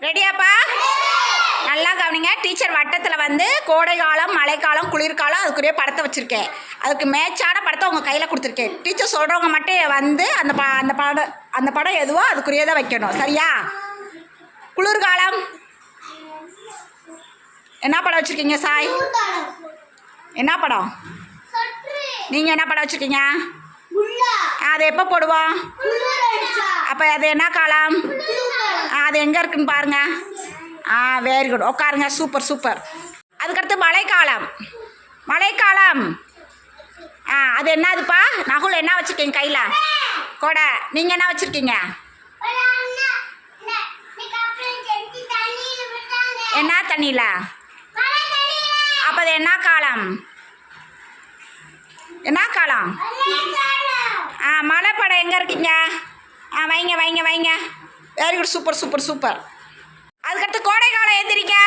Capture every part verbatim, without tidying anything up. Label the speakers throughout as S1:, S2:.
S1: ரெடியாப்பா? நல்லா கவனிங்க. டீச்சர் வட்டத்தில் வந்து கோடைக்காலம், மழைக்காலம், குளிர்காலம் அதுக்குரிய படத்தை வச்சுருக்கேன். அதுக்கு மேட்சான படத்தை உங்கள் கையில் கொடுத்துருக்கேன். டீச்சர் சொல்கிறவங்க மட்டும் வந்து அந்த ப அந்த படம் அந்த படம் எதுவோ அதுக்குரியதை வைக்கணும். சரியா? குளிர்காலம் என்ன படம் வச்சுருக்கீங்க சாய்? என்ன படம்? நீங்கள் என்ன படம் வச்சுருக்கீங்க? அது எப்போ போடுவோம்? அப்போ அது என்ன காலம்? அது எங்கே இருக்குன்னு பாருங்க. ஆ வெரி குட். உட்காருங்க. Super super. அதுக்கடுத்து மழைக்காலம். மழைக்காலம் ஆ அது என்னதுப்பா? நகுல் என்ன வச்சுருக்கீங்க கையில்? கொடை. நீங்கள் என்ன வச்சுருக்கீங்க? என்ன தண்ணியில்? அப்போ அது என்ன காலம்? என்ன காலம்? ஆ மழை படம் எங்கே இருக்கீங்க? ஆ வைங்க வைங்க வைங்க. Very good. Super super super. அதுக்கடுத்து கோடைக்காலம் எந்திரிக்க.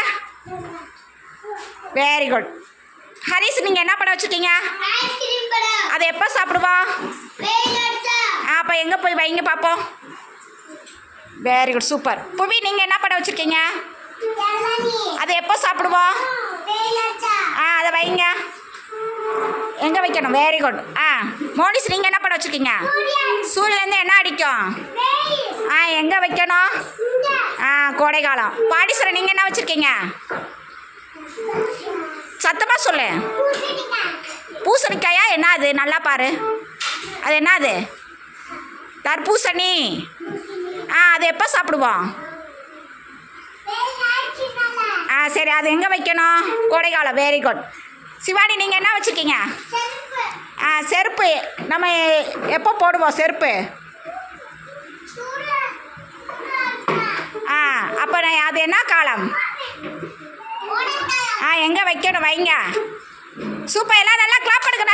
S1: Very good. ஹரிஸ் நீங்கள் என்ன படம் வச்சுருக்கீங்க? அதை எப்போ சாப்பிடுவோம்? அப்போ எங்கே போய் வைங்க பார்ப்போம். Very good. சூப்பர். புவி நீங்கள் என்ன படம் வச்சுருக்கீங்க? அதை எப்போ சாப்பிடுவோம்? ஆ அதை வைங்க. எங்கே வைக்கணும்? Very good. ஆ மோனிஸ் நீங்கள் என்ன படம் வச்சுருக்கீங்க? சூரியன்லேருந்து என்ன அடிக்கும்? ஆ எங்கே வைக்கணும்? ஆ கோடைக்காலம். பாடீஸ்வரன் நீங்கள் என்ன வச்சுருக்கீங்க? சத்தமாக சொல்லு. பூசணிக்காயா? என்ன அது? நல்லா பாரு. அது என்னது? தர்பூசணி. ஆ அது எப்போ சாப்பிடுவோம்? ஆ சரி. அது எங்கே வைக்கணும்? கோடைக்காலம். Very good. சிவானி நீங்கள் என்ன வச்சுருக்கீங்க? ஆ செருப்பு. நம்ம எப்போ போடுவோம் செருப்பு? ஆ அப்போ அது என்ன காலம்? ஆ எங்கே வைக்கணும்? வைங்க. சூப்பர். எல்லாம் நல்லா கிளாப் பண்ணுங்க.